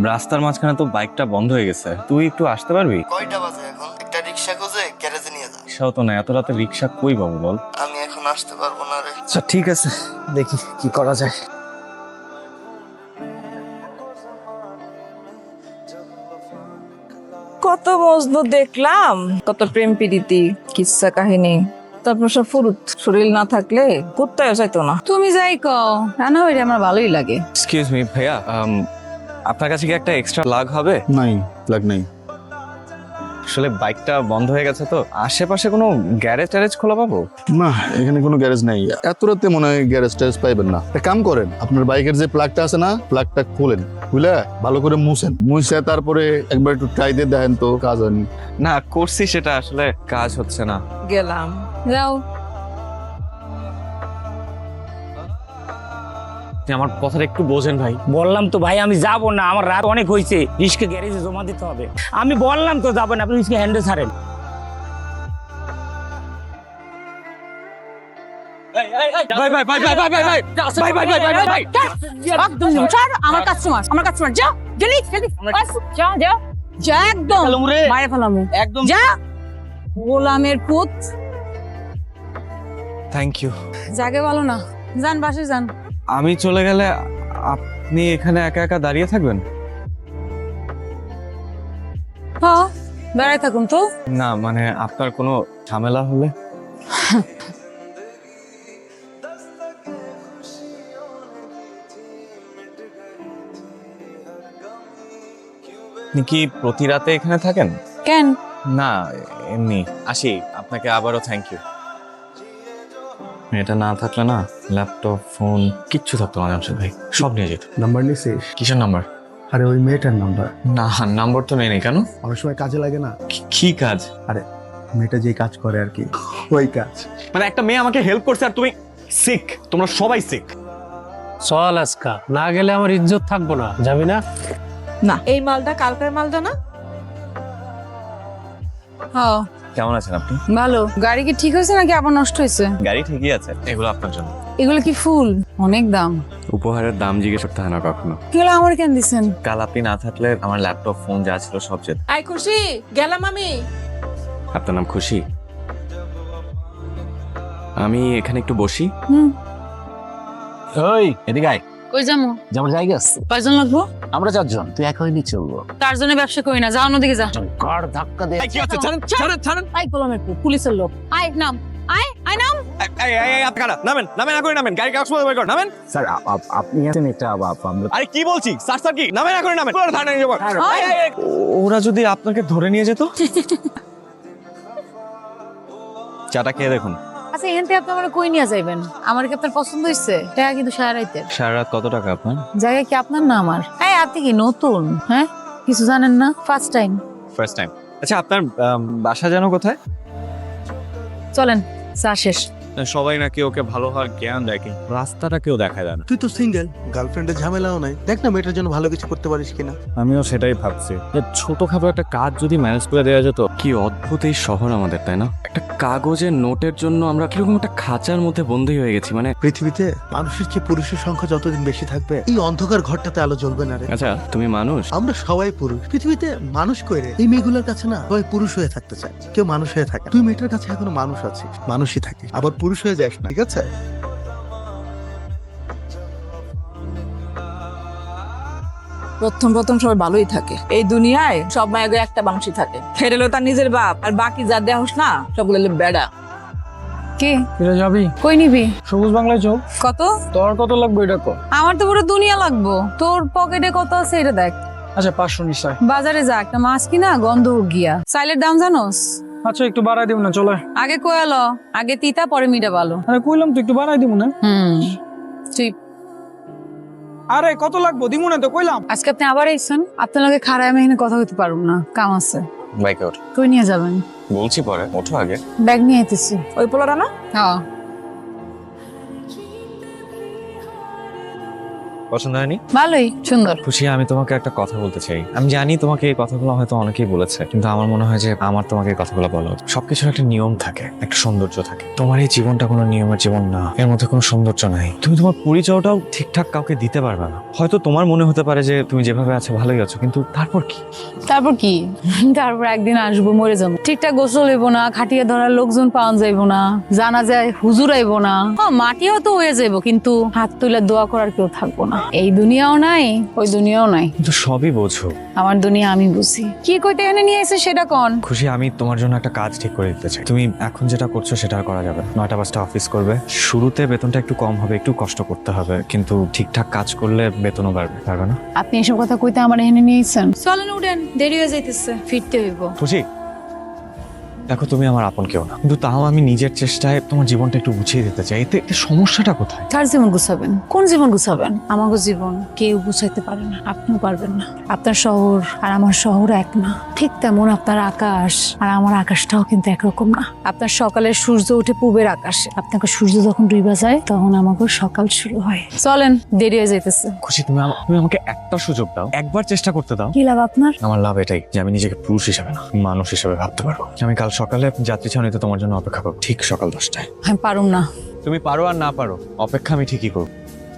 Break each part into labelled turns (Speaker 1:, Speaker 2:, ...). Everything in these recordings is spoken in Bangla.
Speaker 1: রাস্তার মাঝখানে তো বাইকটা বন্ধ হয়ে গেছে, তুই একটু আসতে পারবি?
Speaker 2: কয়টা বাজে এখন? একটা রিক্সা খুঁজে গ্যারেজে নিয়ে যা।
Speaker 1: রিক্সাও তো না, এত রাতে রিক্সা কই পাবো বল?
Speaker 2: আমি এখন আসতে পারবো না রে।
Speaker 1: আচ্ছা ঠিক আছে, দেখি কি করা যায়।
Speaker 3: কত মজনু দেখলাম, কত প্রেম প্রীতি, কিচ্ছা কাহিনী, তারপর সব ফুরুত। শরীর না থাকলে কুত্তায় চাইতো না। তুমি যাই কও, রান্না হইলে আমার ভালোই লাগে।
Speaker 1: এক্সকিউজ মি ভাইয়া, আপনার কাছে কি একটা এক্সট্রা লাগ হবে?
Speaker 4: নাই, লাগ নাই।
Speaker 1: আসলে বাইকটা বন্ধ হয়ে গেছে তো, আশেপাশে কোনো গ্যারেজ ট্যারেজ খোলা পাবো?
Speaker 4: না, এখানে কোনো গ্যারেজ নাই। এত রাতে মনে হয় গ্যারেজ ট্যারেজ পাইবেন না। একটা কাম করেন, আপনার বাইকের যে প্লাগটা আছে না, প্লাগটা খুলেন, খুলে ভালো করে মুছে তারপরে একবার একটু ট্রাই দিয়ে দেখেন তো কাজ হয়নি।
Speaker 1: না করছি, সেটা আসলে কাজ হচ্ছে না।
Speaker 3: গেলাম, যাও।
Speaker 1: আপনি আমার কথাটা একটু বোঝেন ভাই।
Speaker 5: বললাম তো ভাই আমি যাবো না, আমার রাত অনেক হয়েছে, রিস্কে গ্যারেজে জমা দিতে হবে। আমি বললাম তো যাবো না, আপনি রিস্কে হ্যান্ডেল ছাড়েন।
Speaker 3: আমার কাস্টমার, আমার কাস্টমার, যা জলদি জলদি, যা যা যা, একদম মারে ফেলামু,
Speaker 5: একদম
Speaker 3: যা গোলামের পুত।
Speaker 1: Thank you.
Speaker 3: জাগে ভালো না, যান বাসে যান।
Speaker 1: আমি চলে গেলে আপনি এখানে একা একা দাঁড়িয়ে থাকবেন?
Speaker 3: হ্যাঁ, দাঁড়ায় থাকুন তো।
Speaker 1: না মানে আপনার কোনো ঝামেলা হলে। আপনি কি প্রতি রাতে এখানে থাকেন?
Speaker 3: কেন?
Speaker 1: না এমনি আসি। আপনাকে আবারও থ্যাংক ইউ। এটা না থাকলে না, ল্যাপটপ ফোন কিচ্ছু থাকতো না জামশেদ ভাই, সব নিয়ে যেত।
Speaker 6: নাম্বার নিছিস?
Speaker 1: কিসের নাম্বার?
Speaker 6: আরে ওই মেয়েটার নাম্বার।
Speaker 1: না নাম্বার তো নেই। কেন?
Speaker 6: অনেক সময় কাজে লাগে না।
Speaker 1: কি কাজ?
Speaker 6: আরে মেয়েটা যে কাজ করে আর কি, ওই কাজ।
Speaker 1: মানে একটা মেয়ে আমাকে হেল্প করছে আর তুমি সিক? তোমরা সবাই সিক।
Speaker 7: চল আজকা, না গেলে আমার ইজ্জত থাকবো না। যাবি না?
Speaker 3: না, এই মালটা কালকের মালটা না। হ্যাঁ
Speaker 1: কেমন আছেন আপনি?
Speaker 3: ভালো। গাড়ি কি ঠিক হয়েছে নাকি আবার নষ্ট হয়েছে?
Speaker 1: গাড়ি ঠিকই আছে। এগুলো আপনার জন্য।
Speaker 3: এগুলো কি ফুল? অনেক দাম।
Speaker 1: উপহারের দাম জিজ্ঞেস করতে হয় না কখনো।
Speaker 3: এগুলো আমার কেন দিছেন?
Speaker 1: কাল আপনি না থাকলে আমার ল্যাপটপ ফোন যা ছিল সব যেত।
Speaker 3: আই খুশি, গেলাম আমি।
Speaker 1: আপনার নাম খুশি? আমি এখানে একটু বসি।
Speaker 7: ওই এদিকে আয়।
Speaker 3: কই যামু?
Speaker 7: যেমন জায়গা আছে,
Speaker 3: কয়জন লাগবো?
Speaker 7: আমরা 4 জন, তুই একা হইনি চলবো।
Speaker 3: তার জন্য ব্যবসা করি না, যাও অন্যদিকে যা।
Speaker 7: কার ধাক্কা দে।
Speaker 1: কি আছে? ছাড়েন।
Speaker 3: আই গোলামের পুত, পুলিশের লোক। আয় নাম, আয় আয় নাম।
Speaker 1: এই আপনারা নামেন না, গাড়ি কাগজ বের করুন, নামেন।
Speaker 7: স্যার আপনি আছেন, এটা আমরা।
Speaker 1: আরে কি বলছি স্যার কি? নামেন পুরো থানায় নিয়ে যাবো। ওরা যদি আপনাকে ধরে নিয়ে যেত? চাটা খেয়ে দেখুন।
Speaker 3: আচ্ছা, এখান থেকে আপনি আমার কই নিয়ে যাইবেন? আমার কি আপনার পছন্দ হয়েছে? টাকা কিন্তু সারা রাইতে।
Speaker 1: সারা রাত কত টাকা আপনার?
Speaker 3: জায়গা কি আপনার না আমার? এই আপনি কি নতুন? হ্যাঁ, কিছু জানেন না? First time.
Speaker 1: First time. আচ্ছা আপনার বাসা যেন কোথায়?
Speaker 3: চলেন, চা শেষ।
Speaker 1: সবাই নাকি ওকে ভালো হওয়ার জ্ঞান দেয়, কিন্তু রাস্তাটা কেউ দেখায় দেয় না।
Speaker 6: তুই তো সিঙ্গেল, গার্লফ্রেন্ডের ঝামেলাও নাই। দেখ না মেয়েটার জন্য ভালো কিছু করতে পারিস কিনা।
Speaker 1: আমিও সেটাই ভাবছি যে ছোটখাটো একটা কাজ যদি ম্যানেজ করে দেওয়া যেত। কি অদ্ভুত এই শহর আমাদের, তাই না? একটা কাগজের নোটের জন্য আমরা কিরকম একটা খাঁচার মধ্যে বন্দী হয়ে গেছি। মানে
Speaker 6: পৃথিবীতে মানুষের চেয়ে পুরুষের সংখ্যা যতদিন বেশি থাকবে, এই অন্ধকার ঘরটাতে আলো জ্বলবে না রে।
Speaker 1: আচ্ছা তুমি মানুষ?
Speaker 6: আমরা সবাই পুরুষ। পৃথিবীতে মানুষ কই রে? এই মেয়েগুলোর কাছে না সবাই পুরুষ হয়ে থাকতে চায়, কেউ মানুষ হয়ে থাকে। তুই মেয়েটার কাছে এখনো মানুষ আছিস, মানুষই থাকিস, আবার পুরুষ হয়ে যাস না, ঠিক আছে?
Speaker 3: প্রথম সবাই ভালোই থাকে। এই দুনিয়ায় সব মায়ের একটা মানুষই থাকে, সেটা হলো তার নিজের বাপ। আর বাকি যা দেহস না, সবগুলো হলো বেড়া। কে
Speaker 7: ফিরে যাবি?
Speaker 3: কই নিবি?
Speaker 7: সবুজ বাংলায় চল।
Speaker 3: কত?
Speaker 7: তোর কত লাগবে এটা কো?
Speaker 3: আমার তো পুরো দুনিয়া লাগবো। তোর পকেটে কত আছে এটা দেখ।
Speaker 7: আচ্ছা 500 নিশ্চয়।
Speaker 3: বাজারে যা, একটা মাছ কিনা গন্ধ গিয়া। চাইলের দাম জানোস?
Speaker 7: আচ্ছা একটু বাড়াই দিব না, চলে।
Speaker 3: আগে কয়ালো, আগে তিতা পরে মিঠা ভালো।
Speaker 7: আরে কইলাম তো একটু বাড়াই দিব না।
Speaker 3: ঠিক।
Speaker 7: আরে কত লাগবে? দিব না তো কইলাম।
Speaker 3: আজকে আপনি আবার এসেছেন, আপনার লগে খারাপ আমি এখানে কথা বলতে পারবো না, কাম আছে।
Speaker 1: বাইকে ওঠ।
Speaker 3: কই নিয়ে যাবেন?
Speaker 1: বলছি পরে, ওঠো আগে।
Speaker 3: ব্যাগ নিয়ে আইতেছি। ওই পোলাটা না? হ্যাঁ।
Speaker 1: পছন্দ হয়নি?
Speaker 3: ভালোই, সুন্দর।
Speaker 1: খুশি, আমি তোমাকে একটা কথা বলতে চাই। আমি জানি তোমাকে এই কথাগুলো হয়তো অনেকেই বলেছে, কিন্তু আমার মনে হয় যে আমার তোমাকে এই কথাগুলো বলা উচিত। সবকিছুর একটা নিয়ম থাকে, একটা সৌন্দর্য থাকে। তোমার এই জীবনটা কোনো নিয়মের জীবন না, এর মধ্যে কোনো সৌন্দর্য নাই। তুমি তোমার পরিচয়টাও ঠিকঠাক কাউকে দিতে পারবে না। হয়তো তোমার মনে হতে পারে যে তুমি যেভাবে আছো ভালোই আছো, কিন্তু তারপর কি?
Speaker 3: তারপর কি? তারপর একদিন আসবো, মরে যাবো। ঠিকঠাক গোসল হইব না, খাটিয়ে ধরার লোকজন পাওয়া যাইব না, জানা যায় হুজুর আইব না। মাটিও তো হয়ে যাইব, কিন্তু হাত তুলে দোয়া করার কেউ থাকবো না। এই দুনিয়াও নাই, ওই দুনিয়াও নাই।
Speaker 1: কিন্তু সবই বোঝো।
Speaker 3: আমার দুনিয়া আমি বুঝি। কি কইতে এনে নিয়ে এসে সেটা কোন?
Speaker 1: খুশি, আমি তোমার জন্য একটা কাজ ঠিক করে দিতে চাই। তুমি এখন যেটা করছো সেটা আর করা যাবে না। 9টা 5টা অফিস করবে। শুরুতে বেতনটা একটু কম হবে, একটু কষ্ট করতে হবে, কিন্তু ঠিকঠাক কাজ করলে বেতনও বাড়বে। পারবে না?
Speaker 3: আপনি এসব কথা কইতে আমার এনে নিয়ে এসেছেন। চলেন উঠেন, দেরি হয়ে যাইতেছে, ফিরতে হইব।
Speaker 1: খুশি, দেখো তুমি আমার আপন কেউ না, কিন্তু তাও আমি নিজের চেষ্টায় তোমার জীবনটা একটু গুছিয়ে দিতে চাই। এতে এতে সমস্যাটা কোথায়?
Speaker 3: কার জীবন গুছাবেন? কোন জীবন গুছাবেন? আমাকে জীবন কেউ গুছাইতে পারে না, আপনিও পারবেন না। আপনার শহর আর আমার শহর এক না। ঠিক তেমন আপনার আকাশ আর আমার আকাশটাও কিন্তু একরকম না। আপনার সকালের সূর্য উঠে পূবের আকাশে, আপনাকে সূর্য যখন ডুইবা যায় তখন আমাকে সকাল শুরু হয়। চলেন, দেরি হয়ে যাইতেছে।
Speaker 1: খুশি, তুমি তুমি আমাকে একটা সুযোগ দাও, একবার চেষ্টা করতে দাও।
Speaker 3: কি লাভ আপনার?
Speaker 1: আমার লাভ এটাই যে আমি নিজেকে পুরুষ হিসেবে না, মানুষ হিসেবে ভাবতে পারবো। আমি কাল সকালে যাত্রী ছাউনিতে তোমার জন্য অপেক্ষা করবো, ঠিক সকাল 10টায়।
Speaker 3: আমি পারুম না।
Speaker 1: তুমি পারো আর না পারো, অপেক্ষা আমি ঠিকই করবো।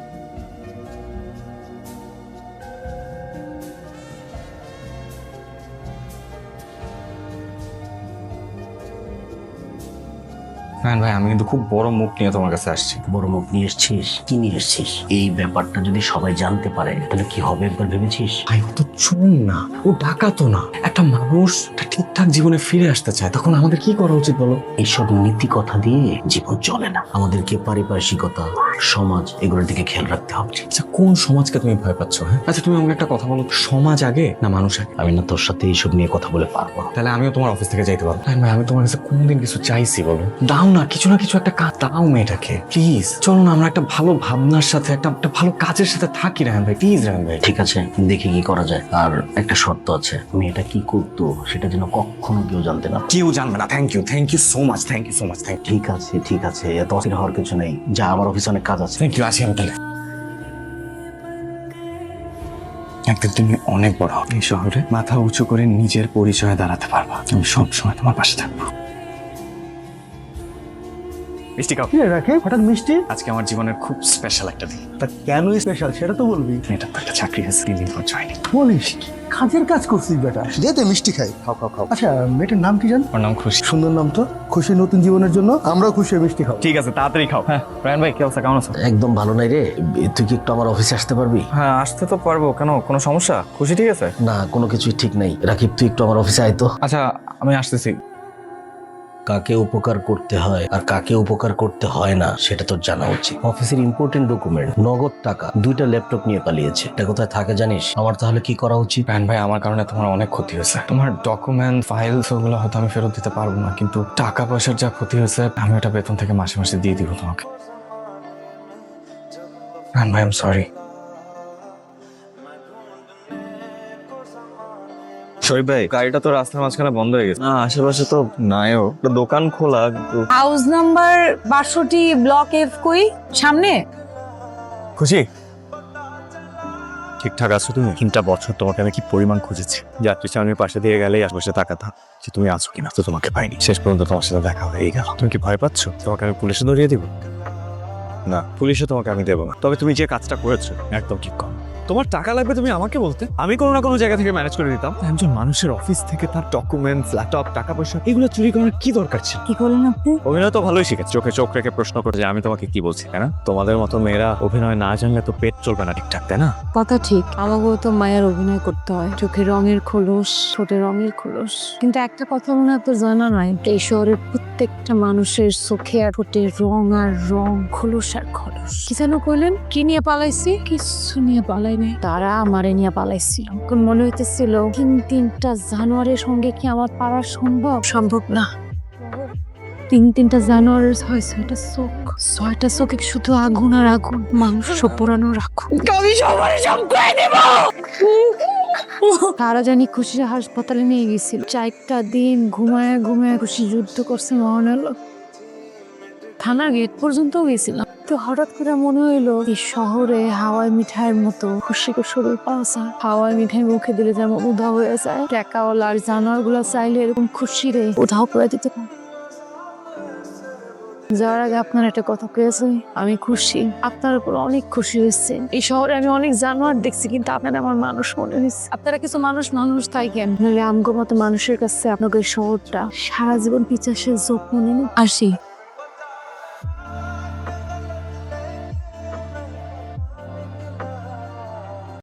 Speaker 1: হ্যাঁ ভাই, আমি কিন্তু খুব বড় মুখ নিয়ে তোমার কাছে আসছি।
Speaker 8: বড় মুখ নিয়ে এসছিস? কি নিয়ে এসছিস? এই ব্যাপারটা যদি সবাই জানতে পারে তাহলে কি হবে একবার ভেবেছিস?
Speaker 1: ভাই, ও তো চুন না, ও ডাকাতও না। একটা মানুষ একটা ঠিকঠাক জীবনে ফিরে আসতে চায়, তখন আমাদের কি করা উচিত বলো?
Speaker 8: এইসব নীতি কথা দিয়ে জীবন চলে না। আমাদেরকে পারিপার্শ্বিকতা, সমাজ এগুলোর দিকে খেয়াল রাখতে হবে।
Speaker 1: আচ্ছা, কোন সমাজকে তুমি ভয় পাচ্ছ? হ্যাঁ, আচ্ছা তুমি আমাকে একটা কথা বলো, সমাজ আগে না মানুষ আগে?
Speaker 8: আমি না তোর সাথে এইসব নিয়ে কথা বলে পারবো না।
Speaker 1: তাহলে আমিও তোমার অফিস থেকে যাইতে পারবো? ভাই, আমি তোমার কাছে কোনদিন কিছু চাইছি বলো? দাও না, কিছু না কিছু একটা কাজ দাও মেয়েটাকে, প্লিজ। চলো না, আমরা একটা ভালো ভাবনার সাথে একটা ভালো কাজের সাথে থাকি। রায়হান ভাই, প্লিজ রায়হান ভাই।
Speaker 8: ঠিক আছে, দেখি কি করা যায়। আর একটা শর্ত আছে, মেয়েটা কি করতো সেটা যেন কখনো কেউ জানতে না।
Speaker 1: কেউ জানবে না। Thank you so much, thank you so much.
Speaker 8: ঠিক আছে, এত অস্থির হওয়ার কিছু নেই। যা, আমার অফিসে অনেক কাজ আছে।
Speaker 1: থ্যাংক ইউ, আসি আমি তাহলে। একদিন তুমি অনেক বড় হবে, এই শহরে মাথা উঁচু করে নিজের পরিচয়ে দাঁড়াতে পারবা। আমি সবসময় তোমার পাশে থাকবো। মিষ্টি খাও।
Speaker 6: রাখে হঠাৎ মিষ্টি?
Speaker 1: আজকে আমার জীবনের খুব স্পেশাল একটা দিন।
Speaker 6: তা কেন স্পেশাল সেটা তো বলবি।
Speaker 1: মেয়েটার তো একটা চাকরি আছে, 3 দিন পর জয়েনিং।
Speaker 6: বলিস কি? কাজের কাজ করছিস বেটা? যেতে মিষ্টি খাই। খাও খাও খাও। আচ্ছা, মেয়েটার নাম কি জান?
Speaker 1: ওর নাম খুশি।
Speaker 6: সুন্দর নাম তো। খুশি নতুন জীবনের জন্য আমরাও খুশি হয়ে মিষ্টি খাও।
Speaker 1: ঠিক আছে, তাড়াতাড়ি খাও। হ্যাঁ রায়হান ভাই, কি অবস্থা, কেমন আছো?
Speaker 8: একদম ভালো নাই রে। তুই কি একটু আমার অফিসে আসতে পারবি?
Speaker 1: হ্যাঁ, আসতে তো পারবো। কেন, কোনো সমস্যা? খুশি ঠিক আছে?
Speaker 8: না, কোনো কিছুই ঠিক নাই। রাকিব, তুই একটু আমার অফিসে আয় তো।
Speaker 1: আচ্ছা, আমি আসতেছি।
Speaker 8: কাকে উপকার করতে হয় আর কাকে উপকার করতে হয় না সেটা তোর জানা উচিত। অফিসের ইম্পর্টেন্ট ডকুমেন্ট, নগদ টাকা, 2টা ল্যাপটপ নিয়ে পালিয়েছে। এটা কোথায় থাকে জানিস? আমার তাহলে কি করা উচিত?
Speaker 1: রায়হান ভাই, আমার কারণে তোমার অনেক ক্ষতি হয়েছে। তোমার ডকুমেন্ট ফাইলস ওগুলো হয়তো আমি ফেরত দিতে পারবো না, কিন্তু টাকা পয়সার যা ক্ষতি হয়েছে আমি ওটা বেতন থেকে মাসে মাসে দিয়ে দিব তোমাকে। রায়হান ভাই, আই এম সরি। শরীফ ভাই, গাড়িটা তো রাস্তার মাঝখানে বন্ধ হয়ে গেছে। না, আশেপাশে তো নাইও, একটা দোকান খোলা কিন্তু।
Speaker 3: হাউস নাম্বার 62, ব্লক F কই? সামনে।
Speaker 1: খুশি, ঠিকঠাক আছো তুমি? 3টা বছর তোমাকে আমি কি পরিমাণ খুঁজেছি। যাত্রী ছাউনির পাশে দিয়ে গেলেই আশেপাশে তাকাতাম যে তুমি আছো কিনা, তো তোমাকে পাইনি। শেষ পর্যন্ত তোমার সাথে দেখা হয়ে গেল। তুমি কি ভয় পাচ্ছ তোমাকে আমি পুলিশে ধরিয়ে দিব? না, পুলিশে তোমাকে আমি দেবো না। তবে তুমি যে কাজটা করেছো একদম ঠিক কম। তোমার টাকা লাগবে তুমি আমাকে বলতে, আমি কোনো না কোনো জায়গা থেকে ম্যানেজ করে দিতাম। একজন মানুষের অফিস থেকে তার ডকুমেন্টস, ল্যাপটপ, টাকা পয়সা এগুলো চুরি করার কি দরকার ছিল?
Speaker 3: কি করলেন আপনি?
Speaker 1: অভিনয় তো ভালোই শিখেছে, চোখে চোখ রেখে প্রশ্ন করে যে আমি তোমাকে কি বলছি, তাই না? তোমাদের মতো মেয়েরা অভিনয় না জানলে তো পেট চলবে না ঠিকঠাক, তাই না?
Speaker 9: কথা ঠিক, আমাকেও তো মায়ের অভিনয় করতে হয়। চোখে রঙের খোলস, ঠোঁটে রঙের খোলস। কিন্তু একটা কথা মনে হয় তোর জানা নাই, এই শহরের প্রত্যেকটা মানুষের চোখে আর ঠোঁটে রং আর রং, খোলস আর খোলস। কি যেন কইলেন? কি নিয়ে পালাইছি? কিছু নিয়ে পালাই নাই, তারা আমারে নিয়ে পালাইছিল। কোন মনে হইতেছিল 3টা জানোয়ারের সঙ্গে কি আমার পারা সম্ভব? সম্ভব না। 3টা জানোয়ারের 6টা চোখ, 6টা চোখে শুধু আগুন আর আগুন, মাংস পোড়ানোর আগুন। আমি সবার সব করে দেব। তারা জানি খুশির হাসপাতালে নিয়ে গেছিল। 4টা দিন ঘুমায় ঘুমায় খুশি যুদ্ধ করছে মহান আলো। থানার গেট পর্যন্ত গেছিলাম, তো হঠাৎ করে মনে হইলো এই শহরে হাওয়াই মিঠাইয়ের মতো খুশিকে শরীর পাওয়া যায়। হাওয়াই মিঠাই মুখে দিলে যেমন উধাও হয়ে যায়, টাকাওয়ালা আর জানোয়ার গুলা চাইলে এরকম খুশি রে উধাও করে দিতে পারে। যাওয়ার আগে আপনার একটা কথা পেয়েছে, আমি খুশি, আপনার উপর অনেক খুশি হয়েছে। এই শহরে আমি অনেক জানোয়ার দেখছি, কিন্তু আপনার আমার মানুষ মনে হয়েছে। আপনারা কিছু মানুষ থাকেন, নাহলে আমগো মতো মানুষের কাছে আপনাদের শহরটা সারা জীবন পিছাসের যত্ন নেন। আসি।